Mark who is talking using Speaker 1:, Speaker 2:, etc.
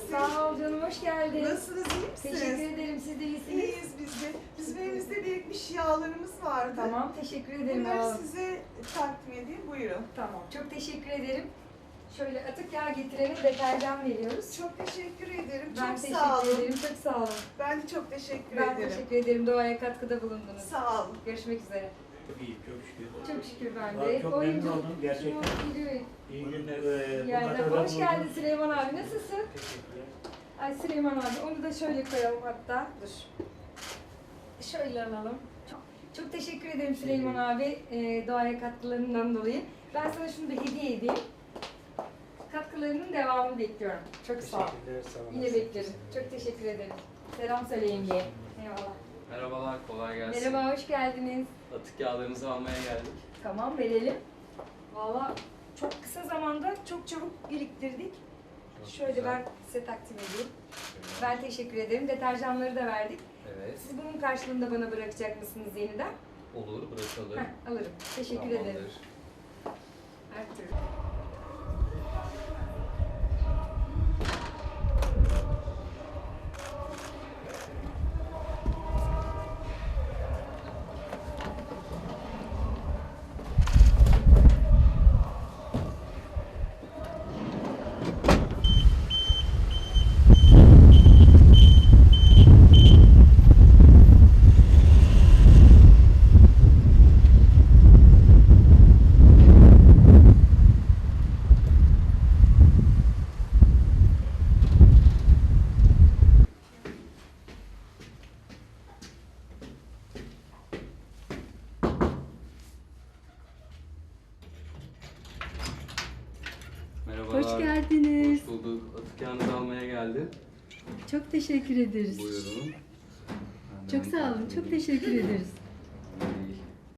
Speaker 1: misin?
Speaker 2: Sağ ol canım, hoş geldin.
Speaker 1: Nasılsınız, iyi misiniz?
Speaker 2: Teşekkür ederim, siz de iyisiniz.
Speaker 1: İyiyiz biz de. Bizim elimizde birikmiş yağlarımız vardı.
Speaker 2: Tamam, teşekkür ederim.
Speaker 1: Bunları size takdim edeyim, buyurun.
Speaker 2: Tamam, çok teşekkür ederim. Şöyle atık yağ getirene deterjan veriyoruz.
Speaker 1: Çok teşekkür ederim,
Speaker 2: Ben
Speaker 1: çok sağ
Speaker 2: teşekkür
Speaker 1: olun.
Speaker 2: ederim, çok sağ olun.
Speaker 1: Ben de çok teşekkür
Speaker 2: Ben
Speaker 1: ederim.
Speaker 2: teşekkür ederim, doğaya katkıda bulundunuz.
Speaker 1: Sağ olun.
Speaker 2: Görüşmek üzere.
Speaker 3: Çok iyi, çok şükür.
Speaker 2: Çok şükür ben
Speaker 3: Vallahi
Speaker 2: de.
Speaker 3: çok memnun oldum gerçekten.
Speaker 2: Geliyor.
Speaker 3: İyi günler.
Speaker 2: Yerden. Hoş geldin Süleyman abi, nasılsın?
Speaker 3: Teşekkürler.
Speaker 2: Ay Süleyman abi, onu da şöyle koyalım hatta. Dur. Şöyle alalım. Çok teşekkür ederim Süleyman abi doğaya katkılarından dolayı. Ben sana şunu da hediye edeyim. Katkılarının devamını bekliyorum. Çok sağ ol.
Speaker 3: Teşekkürler, sağ olun.
Speaker 2: Yine beklerim. Çok teşekkür ederim. Selam söyleyin diye. Eyvallah.
Speaker 4: Merhabalar, kolay gelsin.
Speaker 2: Merhaba, hoş geldiniz.
Speaker 4: Atık yağlarınızı almaya geldik.
Speaker 2: Tamam, verelim. Valla çok kısa zamanda çok çabuk biriktirdik.
Speaker 4: Çok
Speaker 2: Şöyle
Speaker 4: güzel.
Speaker 2: ben size takdim edeyim. Ben teşekkür ederim. Deterjanları da verdik.
Speaker 4: Evet,
Speaker 2: Siz bunun karşılığında bana bırakacak mısınız yeniden?
Speaker 4: olur, bırakalım.
Speaker 2: Heh, alırım. Teşekkür
Speaker 4: Tamamdır.
Speaker 2: ederim. Her türlü.
Speaker 4: Merhabalar.
Speaker 2: Hoş geldiniz.
Speaker 4: Hoş bulduk. Atık yağınızı almaya geldim.
Speaker 2: Çok teşekkür ederiz.
Speaker 4: Buyurun.
Speaker 2: Çok sağ olun. Çok teşekkür ederiz.